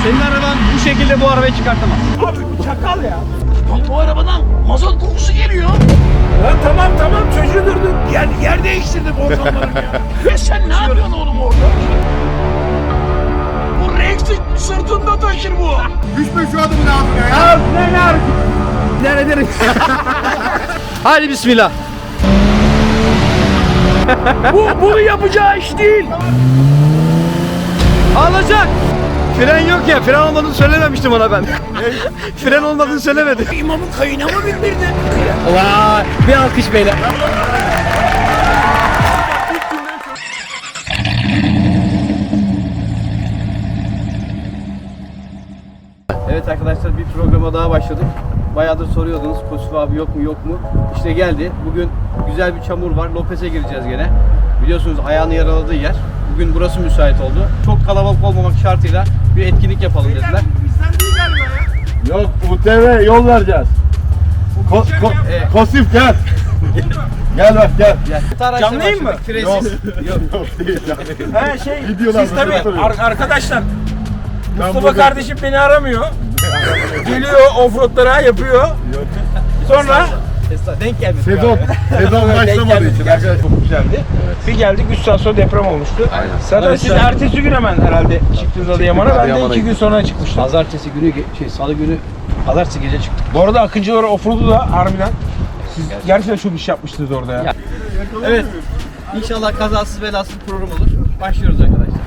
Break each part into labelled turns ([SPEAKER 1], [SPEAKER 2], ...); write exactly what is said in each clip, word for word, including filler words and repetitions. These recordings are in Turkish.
[SPEAKER 1] Senin araban bu şekilde bu arabayı çıkartamaz.
[SPEAKER 2] Abi bu çakal ya.
[SPEAKER 3] Abi bu arabadan mazot kokusu geliyor.
[SPEAKER 2] Lan tamam tamam çocuğu durdun. Yer, yer değiştirdim ortamlarım ya.
[SPEAKER 3] Ya sen ne yapıyorsun oğlum orada? Bu Rex'i sırtında taşır bu.
[SPEAKER 4] Düşme şu adamın ağzına ya.
[SPEAKER 2] Ya ne ne hareket?
[SPEAKER 1] İdare ederim. Hadi bismillah.
[SPEAKER 2] Bu bunu yapacağı iş değil.
[SPEAKER 1] Alacak. Fren yok ya. Fren olmadığını söylememiştim ona ben. Fren olmadığını söylemedi.
[SPEAKER 2] İmamın kayına mı bindirdin?
[SPEAKER 1] Vay. Bir alkış beyler. Evet arkadaşlar, bir programa daha başladık. Bayağıdır soruyordunuz Kosif abi yok mu yok mu? İşte geldi. Bugün güzel bir çamur var. Lopez'e gireceğiz gene. Biliyorsunuz ayağını yaraladığı yer. Bugün burası müsait oldu. Çok kalabalık olmamak şartıyla bir etkinlik yapalım dediler.
[SPEAKER 2] Bizden değil galiba ya.
[SPEAKER 4] Yok U T V yol vereceğiz. Ko, ko,
[SPEAKER 1] Evet.
[SPEAKER 4] Kosif gel. Gel bak gel.
[SPEAKER 2] Canlıyım mı?
[SPEAKER 1] Fresiz. Yok.
[SPEAKER 4] Yok değil yani.
[SPEAKER 2] He şey,
[SPEAKER 4] Videolar
[SPEAKER 2] siz tabii
[SPEAKER 4] böyle
[SPEAKER 2] ar- arkadaşlar Mustafa
[SPEAKER 4] burada-
[SPEAKER 2] kardeşim beni aramıyor. Geliyor offroadlara yapıyor. Sonra
[SPEAKER 1] Estağfurullah, denk gelmedi.
[SPEAKER 4] Sezon, sezon başlamadığı için arkadaşlar.
[SPEAKER 2] çok güzeldi. Bir geldik üç saat sonra deprem olmuştu. Zaten siz ertesi gün hemen herhalde çıktınız Adıyaman'a. Ben de
[SPEAKER 4] Adıyaman'a
[SPEAKER 2] iki gün sonra çıkmıştım.
[SPEAKER 1] Pazartesi günü, şey salı günü, pazartesi gece çıktık.
[SPEAKER 2] Bu arada Akıncılar offroad'u da harbiden siz gerçekten çok iş yapmıştınız orada ya.
[SPEAKER 1] Ya. Evet. İnşallah kazasız belasız program olur. Başlıyoruz arkadaşlar.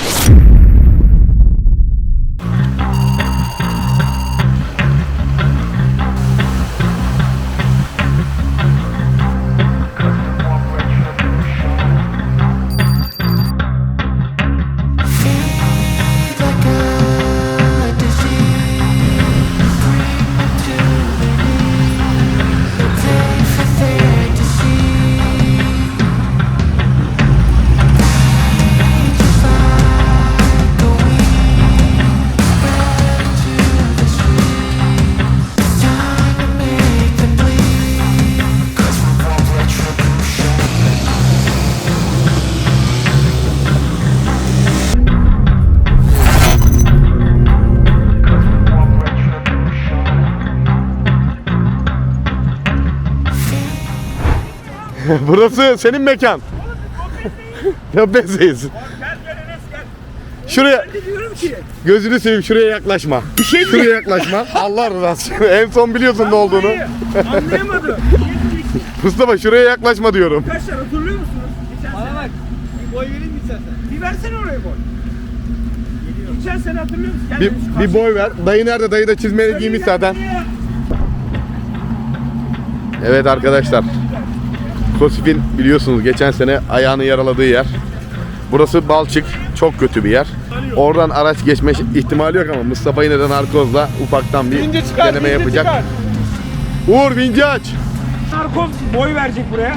[SPEAKER 4] Burası senin mekan. Ya bezeyiz. Şuraya
[SPEAKER 2] Diyorum ki
[SPEAKER 4] gözünü seveyim, şuraya yaklaşma.
[SPEAKER 2] bir şey
[SPEAKER 4] Şuraya yaklaşma. Allah rızası için. En son biliyorsun ne olduğunu.
[SPEAKER 2] anlayamadım.
[SPEAKER 4] Mustafa şuraya yaklaşma diyorum.
[SPEAKER 2] Arkadaşlar hatırlıyor musunuz? Geçen
[SPEAKER 1] Bana
[SPEAKER 2] sene.
[SPEAKER 1] bak. Bir boy vereyim mi istersen?
[SPEAKER 2] Bir versene oraya boy. Geçen sene hatırlıyor musun? Gel
[SPEAKER 4] Bir,
[SPEAKER 2] şu
[SPEAKER 4] bir
[SPEAKER 2] karşı-
[SPEAKER 4] boy ver. Dayı nerede? Dayı da çizmeli giymiş zaten. Evet arkadaşlar. Kosif'in biliyorsunuz geçen sene ayağını yaraladığı yer. Burası Balçık. Çok kötü bir yer. Oradan araç geçme ihtimali yok ama Mustafa yine de narkozla ufaktan bir
[SPEAKER 2] Vinci çıkar,
[SPEAKER 4] deneme
[SPEAKER 2] vinci
[SPEAKER 4] yapacak.
[SPEAKER 2] çıkar.
[SPEAKER 4] Uğur vinci aç.
[SPEAKER 2] Narkoz boy verecek buraya.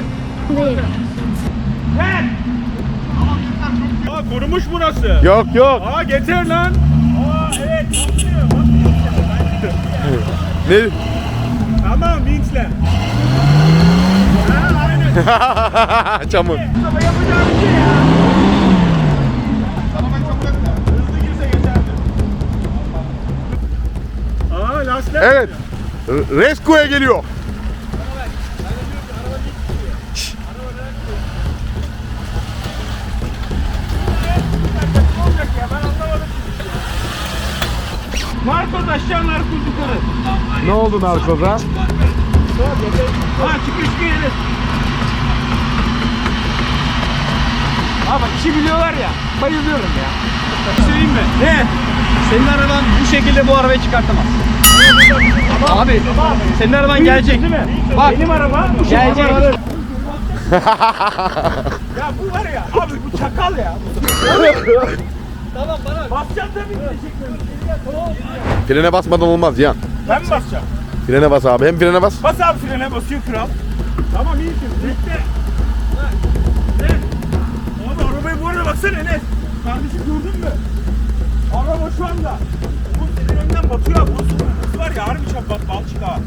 [SPEAKER 2] Ver. Aa kurumuş burası.
[SPEAKER 4] Yok yok.
[SPEAKER 2] Aa getir lan. Aa evet.
[SPEAKER 4] Ne?
[SPEAKER 2] Tamam vinçle. Ha aynen.
[SPEAKER 4] Çamur.
[SPEAKER 2] Mustafa yapacağım bir şey ya. Hızlı girse geçerdi. Aa lastik.
[SPEAKER 4] Evet. R- Rescue'ye geliyor.
[SPEAKER 2] Olacak ya ben anlamadım. Narkoz aşağı narkoz yukarı.
[SPEAKER 4] Ne oldu narkoza?
[SPEAKER 2] Ha çıkış gelir. Ha bak işi biliyorlar ya. Bayılıyorum ya. Bir şey söyleyeyim mi? Ne?
[SPEAKER 1] Senin araban bu şekilde bu arabayı çıkartamaz. Abi, senin araban gelecek.
[SPEAKER 2] Değil mi?
[SPEAKER 1] Bak.
[SPEAKER 2] Benim araba bu
[SPEAKER 1] Gelecek.
[SPEAKER 2] Ya bu var ya abi bu çakal ya.
[SPEAKER 1] Tamam bana.
[SPEAKER 2] Basacağım tabii gidecekler.
[SPEAKER 4] Frene basmadan olmaz Cihan.
[SPEAKER 2] Ben mi basacağım?
[SPEAKER 4] Frene bas abi. Hem frene bas.
[SPEAKER 2] Bas abi frene basıyor kral. Tamam iyisin. Bekle. Ne? Abi arabayı bu arada baksana Enes. Kardeşim gördün mü? Araba şu anda. Bu senin önden batıyor abi. Burası var ya harbi çap bak balçık ha.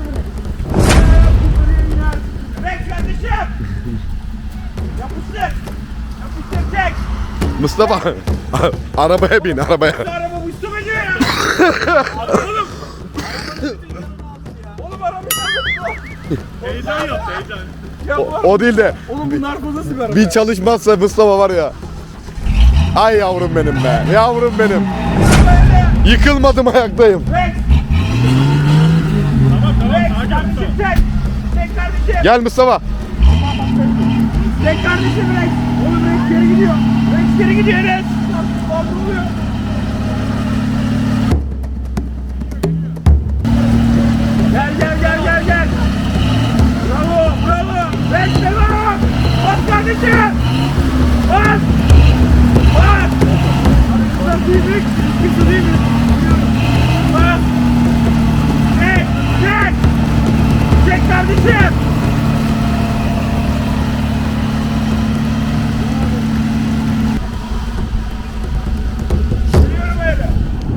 [SPEAKER 2] Bek kardeşim. Yapıştır. Yapıştır çek.
[SPEAKER 4] Mustafa arabaya bin arabaya.
[SPEAKER 2] Bu araba bu üstüme diyor ya. Oğlum. Oğlum arabayı heyecan yaptı heyecan. Ya
[SPEAKER 4] O, o değil de
[SPEAKER 2] oğlum bu narkoza sigara.
[SPEAKER 4] bir çalışmazsa Mustafa var ya. Ay yavrum benim be. Yavrum benim. Yıkılmadım, ayaktayım.
[SPEAKER 2] Tamam tamam sakin ol. Çek. Çek kardeşim.
[SPEAKER 4] Gel Mustafa.
[SPEAKER 2] Çek kardeşim Rex. Oğlum Rex geri gidiyor. Rex geri gidiyor Rex. Ne oluyor? Gel gel gel gel gel. Bravo bravo. Rex devam. Bas kardeşim. Bas. Bas. Nasıl değil mi? Nasıl değil mi? Bas. Çek. Çek. Çek kardeşim. Geliyorum öyle.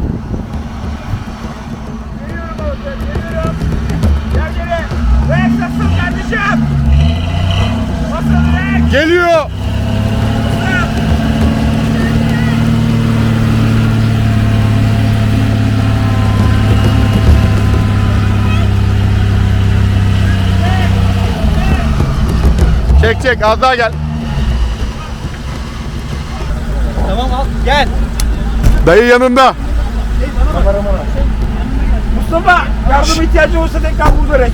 [SPEAKER 2] Geliyorum oğlum, geliyorum. Gel geri. Rex nasıl kardeşim? Nasıl Rex?
[SPEAKER 4] Geliyor.
[SPEAKER 2] Nasıl?
[SPEAKER 4] Çek çek, az daha gel.
[SPEAKER 1] Tamam al gel.
[SPEAKER 4] Dayı yanında.
[SPEAKER 2] Mustafa yardım ihtiyacı olursa tekrar burada Rex.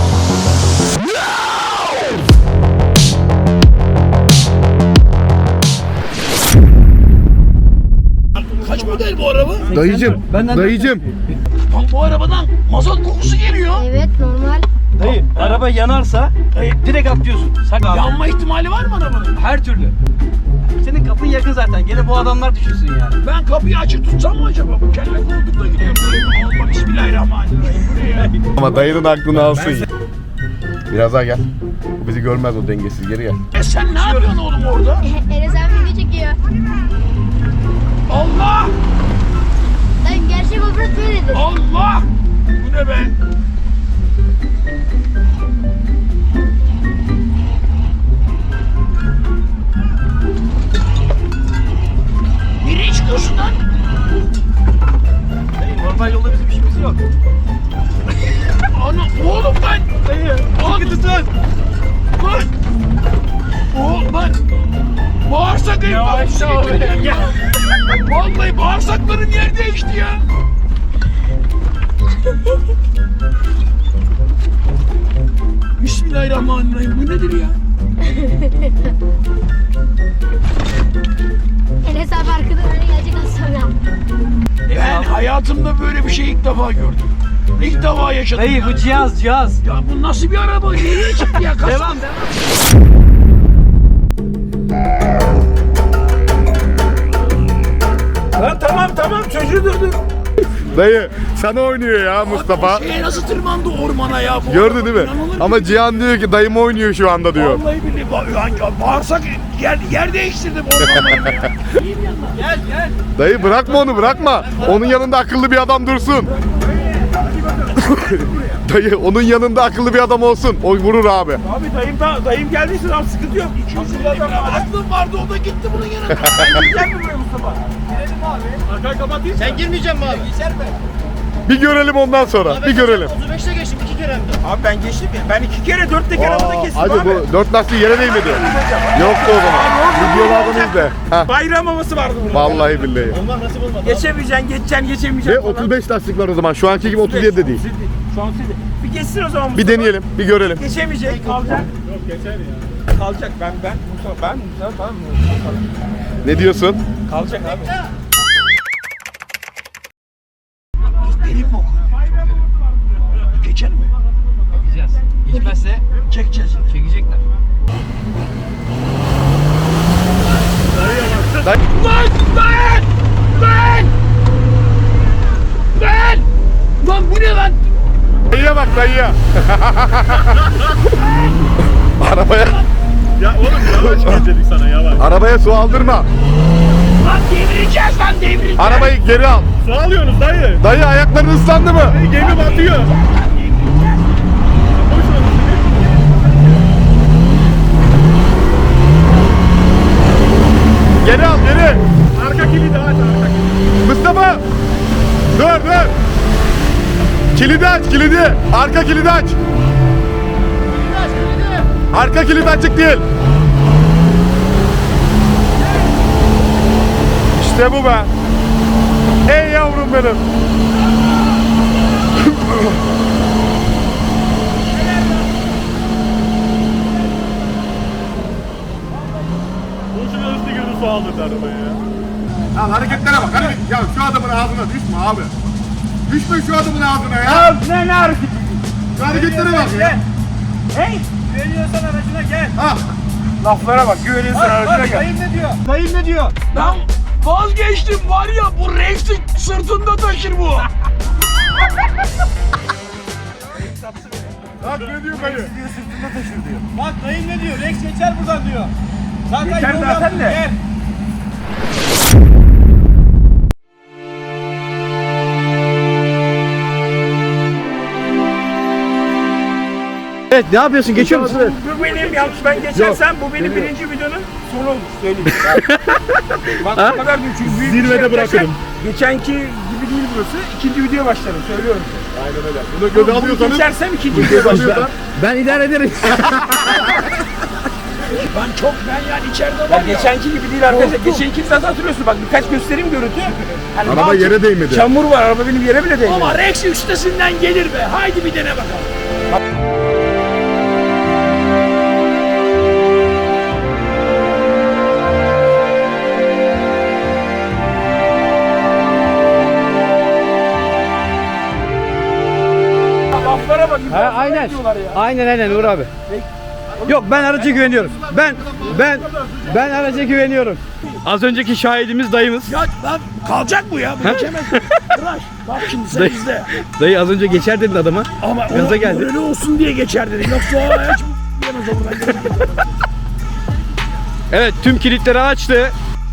[SPEAKER 3] Kaç model bu araba?
[SPEAKER 4] Dayıcım, dayıcım.
[SPEAKER 3] Lan bu arabadan mazot kokusu geliyor.
[SPEAKER 5] Evet normal.
[SPEAKER 1] Dayı araba yanarsa direkt atlıyorsun. Sak abi.
[SPEAKER 3] Yanma ihtimali var mı arabanın?
[SPEAKER 1] Her türlü. Senin kapın yakın zaten. Gene bu adamlar düşünsün yani.
[SPEAKER 3] Ben kapıyı açık tutsam mı acaba? Bu kelle koltukla gidiyorum. Allah bismillahirrahmanirrahim. Buraya.
[SPEAKER 4] Ama dayının aklını alsın ya. Biraz daha gel. Bu bizi görmez, o dengesiz, geri gel.
[SPEAKER 3] E sen ne yapıyorsun oğlum orada?
[SPEAKER 5] Enes abi video çekiyor.
[SPEAKER 3] Allah!
[SPEAKER 5] Lan gerçek offroad böyledir.
[SPEAKER 3] Allah! Bu ne be? Nereye çıkıyorsun lan?
[SPEAKER 1] Dayı normal yolda bizim işimiz yok.
[SPEAKER 3] Ana oğlum ben.
[SPEAKER 1] Dayı
[SPEAKER 3] Sıkı tutun. Lan. Oğlum lan. Bağırsak el bağırsak. Vallahi bağırsaklarım yer değişti ya. Bismillahirrahmanirrahim. Bu nedir ya?
[SPEAKER 5] Enes abi arkadan öyle gelecek az sonra.
[SPEAKER 3] Ben hayatımda böyle bir şey ilk defa gördüm. İlk defa yaşadım.
[SPEAKER 1] Dayı
[SPEAKER 3] ya.
[SPEAKER 1] bu cihaz cihaz.
[SPEAKER 3] Ya bu nasıl bir araba? Nereye çıktı ya? Kasa.
[SPEAKER 1] Devam devam.
[SPEAKER 2] Lan tamam tamam çocuğu durdur.
[SPEAKER 4] Dayı sana oynuyor ya Mustafa.
[SPEAKER 3] Şeye nasıl tırmandı ormana ya? Bu
[SPEAKER 4] Gördü
[SPEAKER 3] araba
[SPEAKER 4] değil mi?
[SPEAKER 3] inanılır
[SPEAKER 4] Ama Cihan diyor ki dayım oynuyor şu anda diyor.
[SPEAKER 3] Vallahi billahi ba- ya, ya bağırsak yer, yer değiştirdim ormanlarını ya.
[SPEAKER 1] Gel gel.
[SPEAKER 4] Dayı bırakma onu, bırakma. Onun yanında akıllı bir adam dursun. Dayı onun yanında akıllı bir adam olsun. O vurur abi.
[SPEAKER 2] Abi dayım da dayım geldiyse tamam sıkıntı yok. iki yüz lira adam var.
[SPEAKER 3] Aklım vardı o da gitti bunun yanına.
[SPEAKER 2] Gel mi buraya Mustafa? Girelim abi. Arkayı kapatayım.
[SPEAKER 1] Sen girmeyeceksin mi abi? Geçer mi?
[SPEAKER 4] Bir görelim ondan sonra. Bir görelim.
[SPEAKER 1] otuz beşte geçtim iki kere hem de.
[SPEAKER 2] Abi ben geçtim ya. Ben iki kere dört teker arabada kestim
[SPEAKER 4] Hadi
[SPEAKER 2] abi.
[SPEAKER 4] bu dört lastiği yere değmedi. Yoktu o zaman. Videolardan izle. Ha.
[SPEAKER 2] Bayram havası vardı burada.
[SPEAKER 4] Vallahi billahi.
[SPEAKER 1] Olmak nasip olmadı.
[SPEAKER 2] Geçemeyeceksin, geçeceksin,
[SPEAKER 4] Ve
[SPEAKER 2] geçemeyeceksin falan.
[SPEAKER 4] otuz beş lastik var o zaman. Şu anki gibi otuz yedi de değil.
[SPEAKER 2] Şu an sizi. Bir geçsin o zaman
[SPEAKER 4] Bir
[SPEAKER 2] Mustafa.
[SPEAKER 4] deneyelim, bir görelim.
[SPEAKER 2] Geçemeyecek, kalacak. Yok geçer ya. Kalacak ben ben Mustafa ben Mustafa tamam mı?
[SPEAKER 4] Ne diyorsun?
[SPEAKER 2] Kalacak abi.
[SPEAKER 3] Benim mi o? Geçer mi?
[SPEAKER 1] Gideceğiz. Geçmezse
[SPEAKER 3] Çekeceğiz.
[SPEAKER 1] çekecekler.
[SPEAKER 3] Lan! Lan! Lan! Lan! Lan bu ne lan?
[SPEAKER 4] Dayıya bak dayıya. Arabaya,
[SPEAKER 2] Ya oğlum yavaş dedik sana yavaş.
[SPEAKER 4] arabaya su aldırma.
[SPEAKER 3] Lan devireceğiz lan devireceğiz.
[SPEAKER 4] Arabayı geri al.
[SPEAKER 2] Su alıyorsunuz dayı.
[SPEAKER 4] Dayı ayakların ıslandı mı?
[SPEAKER 2] Gemi batıyor.
[SPEAKER 4] Geri al, geri.
[SPEAKER 2] Arka kilidi aç arka kilidi.
[SPEAKER 4] Mustafa. Dur dur. Kilidi aç kilidi. Arka kilidi aç. Arka kilit açık değil. İşte bu be. Ey yavrum benim.
[SPEAKER 2] Boşuna hızlı girdi su aldırdı arabaya ya.
[SPEAKER 4] Lan hareketlere bak. Hareket. Ya şu adamın ağzına düşme abi. Düşme şu adamın ağzına ya.
[SPEAKER 2] Ya ne ne hareketi?
[SPEAKER 4] Şu hareketlere bak ya.
[SPEAKER 2] Hey! Güveniyorsan aracına gel.
[SPEAKER 4] Ha.
[SPEAKER 2] Laflara bak, güveniyorsan aracına gel. Dayım ne diyor? Dayım ne diyor?
[SPEAKER 3] Lan vazgeçtim var ya, bu Rex'i sırtında taşır bu.
[SPEAKER 4] Bak ne diyor dayı?
[SPEAKER 1] Bak dayım ne diyor? Rex geçer buradan diyor. Zaten
[SPEAKER 2] Geçer
[SPEAKER 1] yol
[SPEAKER 2] zaten
[SPEAKER 1] yaptık,
[SPEAKER 2] de.
[SPEAKER 1] gel. Evet, ne yapıyorsun? Geçiyor musun?
[SPEAKER 2] Bu benim yanlış, ben geçersem bu benim birinci videonun sonu olur, söyleyeyim. Bak
[SPEAKER 1] Ha?
[SPEAKER 2] bu kadar büyük, çünkü büyük bir
[SPEAKER 4] Zirvede
[SPEAKER 2] şey yapacaksak,
[SPEAKER 4] bırakırım.
[SPEAKER 2] Geçenki gibi değil burası, ikinci video başlarım, söylüyorum.
[SPEAKER 4] Aynen öyle. Bunu göze
[SPEAKER 2] Bunu
[SPEAKER 4] alıyorsanız.
[SPEAKER 2] geçersem ikinci video başlarım.
[SPEAKER 1] Ben idare ederim.
[SPEAKER 3] Ben çok, ben yani içeride var
[SPEAKER 2] Ya
[SPEAKER 3] ya.
[SPEAKER 2] geçenki gibi değil arkadaşlar, geçenki zaten hatırlıyorsun, bak birkaç göstereyim görüntü. Hani
[SPEAKER 4] Araba
[SPEAKER 2] bazı-
[SPEAKER 4] yere değmedi.
[SPEAKER 2] Çamur var, araba benim yere bile değmedi.
[SPEAKER 3] Ama Rex üstesinden gelir be. Haydi bir dene bakalım.
[SPEAKER 2] Laflara bak,
[SPEAKER 1] Ha, aynen.
[SPEAKER 2] diyorlar ya.
[SPEAKER 1] Aynen aynen Uğur abi. Yok ben araca güveniyorum. Ben ben ben araca güveniyorum. Az önceki şahidimiz dayımız.
[SPEAKER 3] Ya lan kalacak bu ya. Bu geçemez. Bırak. Bak şimdi sen
[SPEAKER 1] Dayı-
[SPEAKER 3] izle.
[SPEAKER 1] Dayı az önce geçer dedin adama.
[SPEAKER 3] Ama
[SPEAKER 1] Gaza
[SPEAKER 3] o
[SPEAKER 1] geldi.
[SPEAKER 3] morali olsun diye geçer dedi. Yoksa o hiç yemez o buradan.
[SPEAKER 1] Evet tüm kilitleri açtı.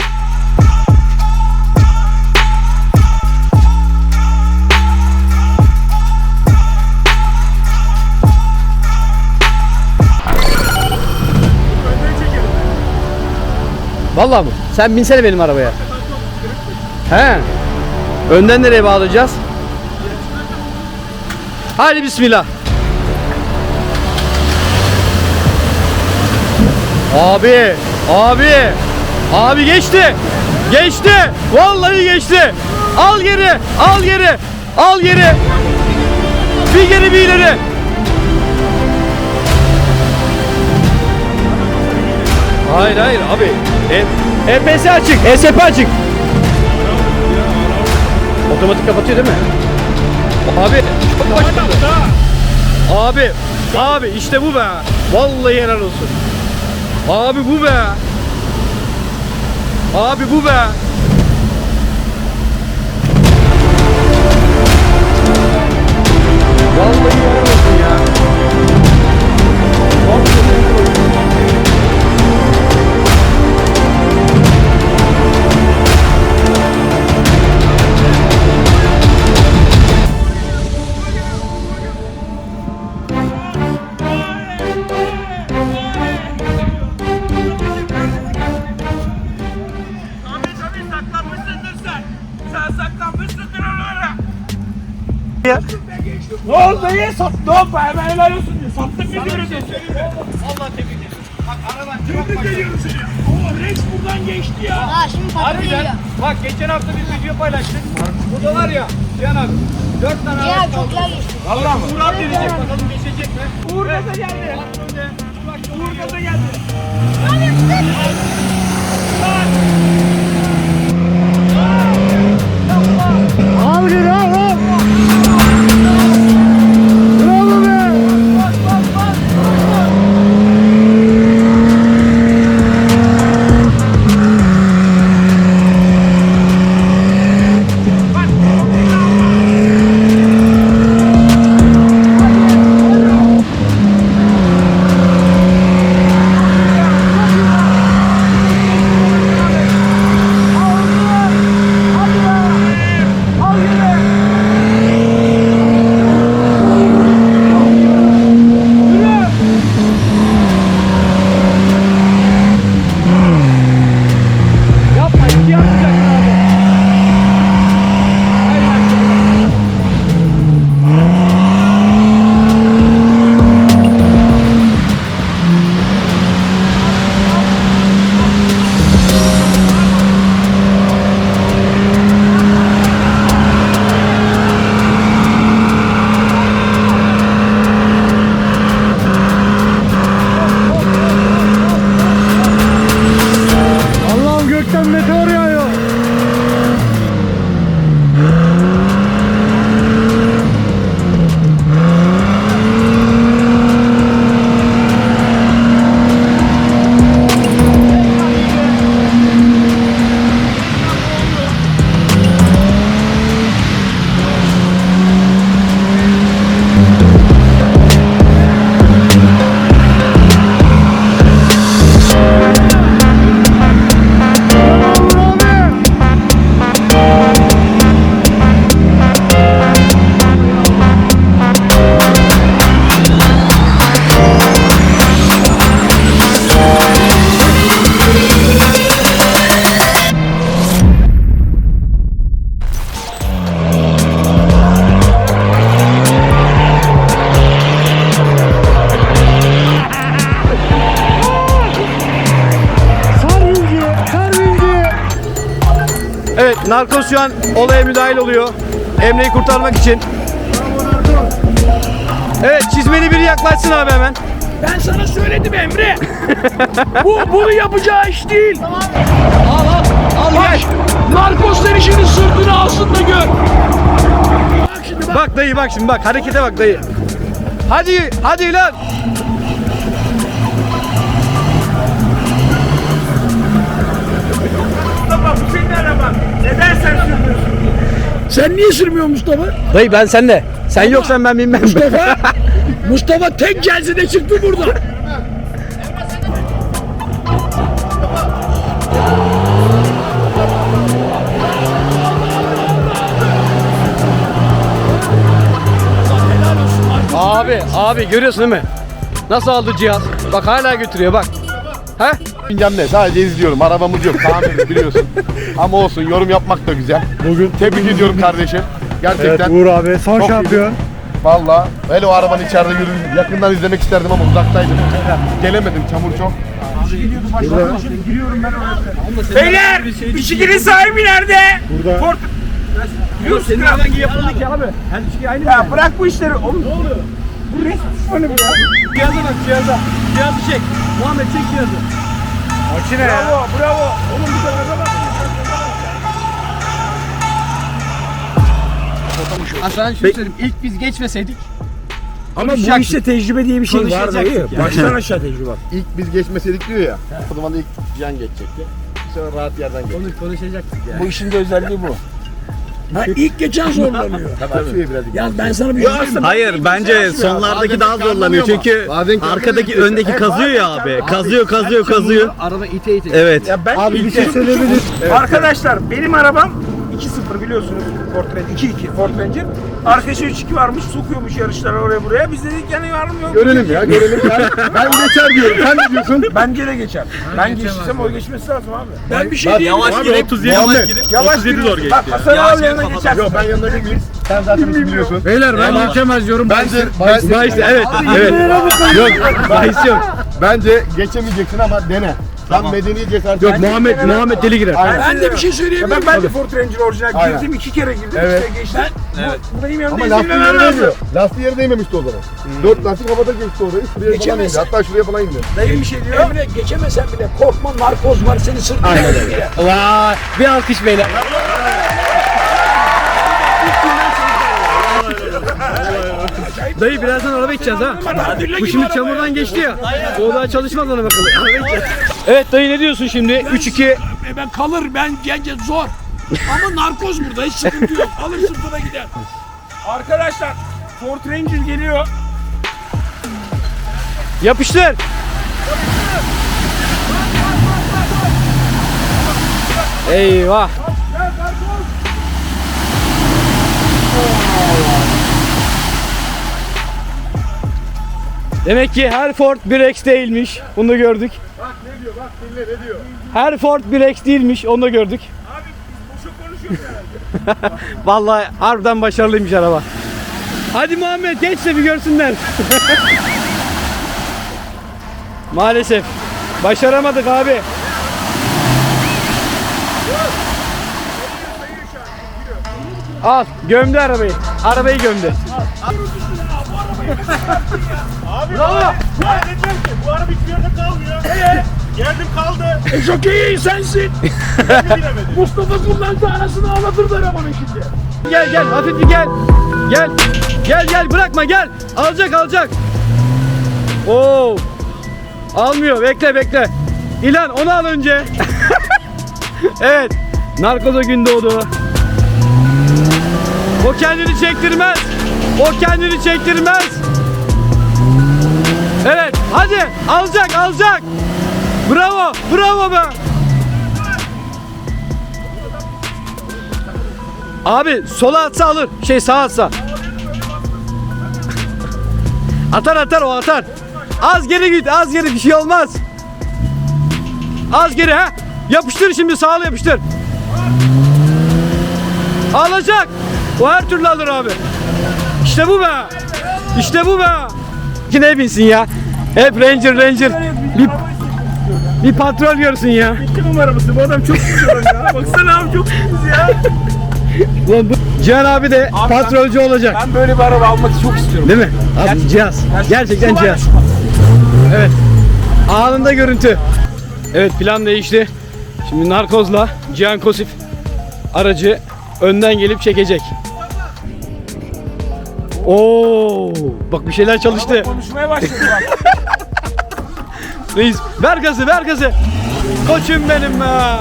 [SPEAKER 1] Vallahi mı? Sen binsene benim arabaya. He. Önden nereye bağlayacağız? Hadi bismillah. Abi, abi, abi geçti, geçti, vallahi geçti. Al geri, al geri, al geri. Bir geri bir ileri. Hayır hayır abi. E, EPS açık, E S P açık. Otomatik kapatıyor değil mi? Abi, çok başladı. Abi, abi işte bu be. Vallahi helal olsun. Abi bu be. Abi bu be. Vallahi helal olsun ya. Vallahi helal olsun.
[SPEAKER 2] Tabii tabii saklanmışsındır sen. Sen saklanmışsındır oralara. Ne oldu ya? Sattı hoppa, hemen helal olsun diyor. Sattın mı diyorsun?
[SPEAKER 1] Vallahi tebrik ederim. Bak aradan
[SPEAKER 3] Tebrik ediyorum seni. Oo Rex buradan geçti ya.
[SPEAKER 5] Aa şimdi patron geliyor.
[SPEAKER 1] harbiden. Bak geçen hafta bir video paylaştık. Burada var ya Cihan abi. Dört tane
[SPEAKER 5] Ya
[SPEAKER 1] araç
[SPEAKER 5] çok
[SPEAKER 1] kaldı.
[SPEAKER 5] güzel geçti.
[SPEAKER 2] Valla mı?
[SPEAKER 1] Uğur abi deneyecek bakalım geçecek mi?
[SPEAKER 2] Uğur gaza geldi. Uğur gaza geldi.
[SPEAKER 1] Al geri al al. Bravo be. şu an olaya müdahil oluyor. Emre'yi kurtarmak için. Evet, çizmeli biri yaklaşsın abi hemen.
[SPEAKER 3] Ben sana söyledim Emre. Bu bunu yapacağı iş değil.
[SPEAKER 1] Al al. Al
[SPEAKER 3] Bak,
[SPEAKER 1] gel.
[SPEAKER 3] narkozlar işinin sırtını alsın da gör. Bak şimdi bak.
[SPEAKER 1] Bak dayı bak şimdi bak. Harekete bak dayı. Hadi hadi lan.
[SPEAKER 2] Mustafa bu senin araban. Neden sen sürmüyorsun?
[SPEAKER 3] Sen niye sürmüyorsun Mustafa?
[SPEAKER 1] Dayı ben senle. Sen yoksan ben bilmem.
[SPEAKER 3] Mustafa, Mustafa tek celsede çıktı burada.
[SPEAKER 1] Abi abi görüyorsun değil mi? Nasıl aldı cihaz? Bak hala götürüyor bak. He?
[SPEAKER 4] Bilmem ne, sadece izliyorum. Arabamız yok, tamir biliyorsun. Ama olsun, yorum yapmak da güzel. Bugün tebrik ediyorum kardeşim. Gerçekten.
[SPEAKER 6] Uğur abi son
[SPEAKER 4] Çok
[SPEAKER 6] şampiyon.
[SPEAKER 4] Valla. Hele o arabanın içeride yürüdüğünü yakından izlemek isterdim ama uzaktaydım. Gelemedim, çamur çok.
[SPEAKER 2] Beyler, bisikletin sahibi nerede?
[SPEAKER 6] Burada.
[SPEAKER 2] Ford.
[SPEAKER 1] Senin araban yapıldı ki abi. Her şey aynı.
[SPEAKER 2] Ya bırak bu işleri. Oğlum ne oluyor? Bu resmi düşmanı bu ya.
[SPEAKER 1] Cihaza bak cihaza. Cihazı çek. Muhammed çek cihazı.
[SPEAKER 6] Makine ya.
[SPEAKER 2] Bravo, bravo. Oğlum bir de gaza bak.
[SPEAKER 1] Hasan şunu söyleyeyim. İlk biz geçmeseydik.
[SPEAKER 6] Ama bu işte tecrübe diye bir şey var dayı. Baştan aşağı tecrübe.
[SPEAKER 4] İlk biz geçmeseydik diyor ya. O zaman da ilk Cihan geçecekti. Sonra rahat yerden geçecek.
[SPEAKER 1] Konuş, konuşacaktık ya.
[SPEAKER 3] Bu işin de özelliği bu. Ha, ilk geçen zorlanıyor.
[SPEAKER 4] Tabii. Birazcık.
[SPEAKER 3] Ya ben sana bir şey söyleyeyim.
[SPEAKER 7] Hayır bence sonlardaki daha zorlanıyor çünkü arkadaki öndeki kazıyor ya abi. Kazıyor kazıyor kazıyor.
[SPEAKER 1] Araba ite ite.
[SPEAKER 7] Evet.
[SPEAKER 2] Ya ben
[SPEAKER 6] Abi bir
[SPEAKER 2] ilk-
[SPEAKER 6] şey söyleyebilir.
[SPEAKER 2] Arkadaşlar benim arabam iki sıfır biliyorsunuz Ford Ranger iki iki Ford Ranger. Arkadaşı üç iki varmış sokuyormuş yarışlara oraya buraya. Biz dedik yani var mı yok mu?
[SPEAKER 4] Görelim ya, görelim. Ben, ben geçer diyorum. Sen ne diyorsun?
[SPEAKER 2] Bence de geçer. Ben geçtiysem o geçmesi lazım abi.
[SPEAKER 3] Ben bir şey diyeyim.
[SPEAKER 7] Yavaş gidip otuz yedi
[SPEAKER 4] Muhammed.
[SPEAKER 2] Yavaş otuz yedi zor geçti. Bak Hasan abi yanına geçersin.
[SPEAKER 4] Yok, ben yanına değilim. Sen zaten biliyorsun.
[SPEAKER 6] Beyler ben geçemez diyorum.
[SPEAKER 4] Bence, ben,
[SPEAKER 1] Bahis evet. Evet. Yok. Bahis yok.
[SPEAKER 4] bence geçemeyeceksin ama dene. Sen medeni cesaret.
[SPEAKER 1] Yok Muhammed Muhammed deli girer.
[SPEAKER 4] Aynen.
[SPEAKER 3] Ben de bir şey söyleyeyim.
[SPEAKER 2] Ben ben de Ford Ranger orijinal
[SPEAKER 4] Aynen.
[SPEAKER 2] girdim iki kere girdim
[SPEAKER 4] Evet.
[SPEAKER 2] işte geçtim. Evet. Bu benim yanımda
[SPEAKER 4] Ama
[SPEAKER 2] izin
[SPEAKER 4] lastiği
[SPEAKER 2] vermem
[SPEAKER 4] yere
[SPEAKER 2] lazım.
[SPEAKER 4] değmiyor. Lastiği yere değmemişti o zaman. Dört lastik havada geçti orayı. Şuraya falan indi.
[SPEAKER 3] Geçemezsin.
[SPEAKER 4] Hatta şuraya falan indi.
[SPEAKER 2] Dayım bir şey diyor.
[SPEAKER 3] Emre geçemesen bile korkma, narkoz var seni sırtına. Aynen öyle.
[SPEAKER 1] Vay. Bir alkış beyler. Dayı birazdan araba içeceğiz ha. Bu şimdi çamurdan geçti ya. O daha çalışmaz ona bakalım. Araba içeceğiz. Evet dayı ne diyorsun şimdi? üç iki.
[SPEAKER 3] E ben kalır, ben gence zor. Ama narkoz burada, hiç sıkıntı yok. Alır sırtına gider.
[SPEAKER 2] Arkadaşlar Ford Ranger geliyor.
[SPEAKER 1] Yapıştır. Eyvah. Demek ki her Ford bir X değilmiş. Bunu da gördük.
[SPEAKER 4] Bak ne diyor, bak dinle ne diyor.
[SPEAKER 1] Her Ford bir X değilmiş. Onu da gördük.
[SPEAKER 2] Abi biz boşa konuşuyoruz herhalde.
[SPEAKER 1] Vallahi harbiden başarılıymış araba. Hadi Muhammed geç de bir görsünler. Maalesef. Başaramadık abi. Al gömdü arabayı. Arabayı gömdü.
[SPEAKER 2] Abi bravo. Ya dedim ki bu araba hiçbir yerde kalmıyor. Ee, geldim kaldı.
[SPEAKER 3] E jokeyi sensin.
[SPEAKER 2] Ben de bilemedim.
[SPEAKER 3] Mustafa kullandı, anasını ağlatırdı arabanın şimdi.
[SPEAKER 1] Gel gel hafif bir gel. Gel. Gel gel bırakma gel. Alacak alacak. Oo. Almıyor bekle bekle. İlan onu al önce. Evet. Narkoza gün doğdu. O kendini çektirmez. O kendini çektirmez. Evet hadi alacak alacak. Bravo bravo be. Abi sola atsa alır. Şey sağa atsa. Atar atar o atar. Az geri git az geri bir şey olmaz. Az geri ha. Yapıştır şimdi sağla yapıştır. Alacak. O her türlü alır abi. İşte bu be. İşte bu be. Kine binsin ya. Hep Ranger Ranger. Bir, bir patrol görsün ya.
[SPEAKER 2] İki numaramızı bu adam çok güzel ya. Baksana abi çok güzel ya.
[SPEAKER 1] Ulan bu Cihan abi de
[SPEAKER 2] Abi
[SPEAKER 1] patrolcü olacak.
[SPEAKER 2] Ben böyle bir araba almak çok istiyorum.
[SPEAKER 1] Değil mi? Abi cihaz. Gerçekten cihaz. Evet. Anında görüntü. Evet, plan değişti. Şimdi narkozla Cihan Kosif aracı önden gelip çekecek. Oo, bak bir şeyler çalıştı.
[SPEAKER 2] Konuşmaya başladı bak.
[SPEAKER 1] Reis ver gazı, ver gazı. Koçum benim be.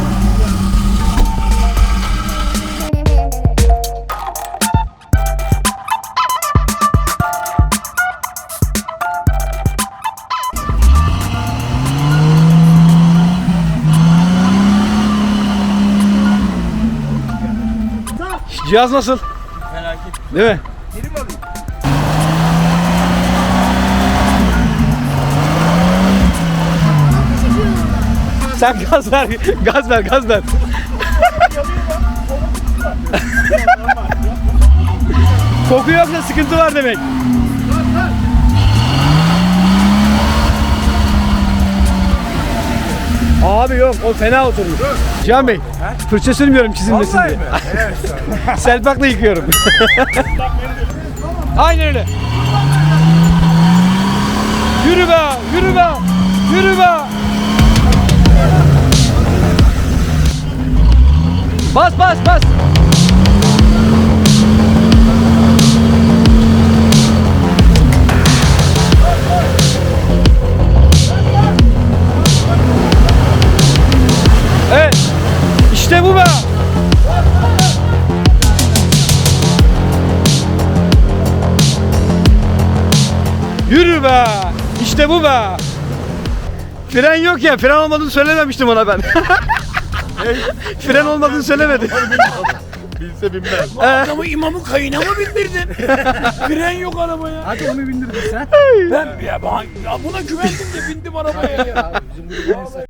[SPEAKER 1] Cihaz nasıl?
[SPEAKER 2] Felaket.
[SPEAKER 1] Değil mi?
[SPEAKER 2] Geri mi alayım?
[SPEAKER 1] Sen gaz ver, gaz ver, gaz ver. Koku yoksa sıkıntı var demek. Abi yok, o fena oturmuş. Cihan Bey, fırça sürmüyorum çizilmesin
[SPEAKER 2] Vallahi
[SPEAKER 1] diye.
[SPEAKER 2] mi? Evet.
[SPEAKER 1] Selpakla yıkıyorum. Aynen öyle. Yürü be, yürü be, yürü be. Bas bas bas. Evet. İşte bu be. Yürü be. İşte bu be. Fren yok ya. Fren olmadığını söylememiştim ona ben. Fren olmadığını söylemedi.
[SPEAKER 4] Bilse bilmez.
[SPEAKER 3] Adamı imamın kayına mı bindirdin? Fren yok arabaya.
[SPEAKER 1] Hadi onu bindirdin sen.
[SPEAKER 3] Ben ya, ben, ya buna güvendim de bindim arabaya ya.